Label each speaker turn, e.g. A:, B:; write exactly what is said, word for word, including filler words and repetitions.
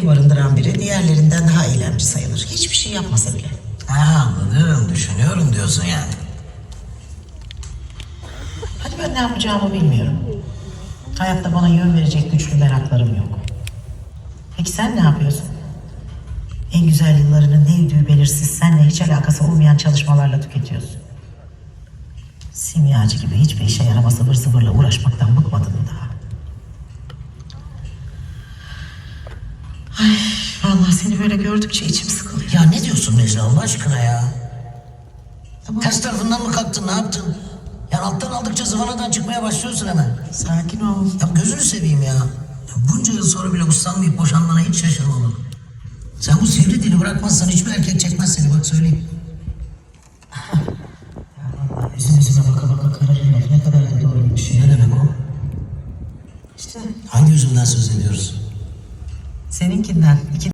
A: sevgili barındıran biri diğerlerinden daha eylemci sayılır. Hiçbir şey yapmasa bile.
B: Ha, anladım. Düşünüyorum diyorsun yani.
A: Hadi ben ne yapacağımı bilmiyorum. Hayatta bana yön verecek güçlü meraklarım yok. Peki sen ne yapıyorsun? En güzel yıllarını ne üdüğü belirsiz, seninle hiç alakası olmayan çalışmalarla tüketiyorsun. Simyacı gibi hiçbir işe yaramaz ıvır zıvırla uğraşmaktan bıkmadın mı daha? Ay vallahi seni böyle gördükçe içim sıkılıyor.
B: Ya ne diyorsun Necla Allah aşkına ya?
A: Ama
B: Ters tarafından mı kalktın, ne yaptın? Yani alttan aldıkça zıvanadan çıkmaya başlıyorsun hemen.
A: sakin ol.
B: Ya gözünü seveyim ya. Ya bunca yıl sonra bile uslanmayıp boşanmana hiç şaşırmadım. Sen bu sivri dili bırakmazsan hiçbir erkek çekmez seni, bak söyleyeyim.
A: Vallahi üzüm üzüme baka baka kararır laf ne kadar da doğruymuş ya.
B: Ne demek o?
A: İşte
B: Hangi yüzümden söz ediyoruz?
A: seninkinden. İki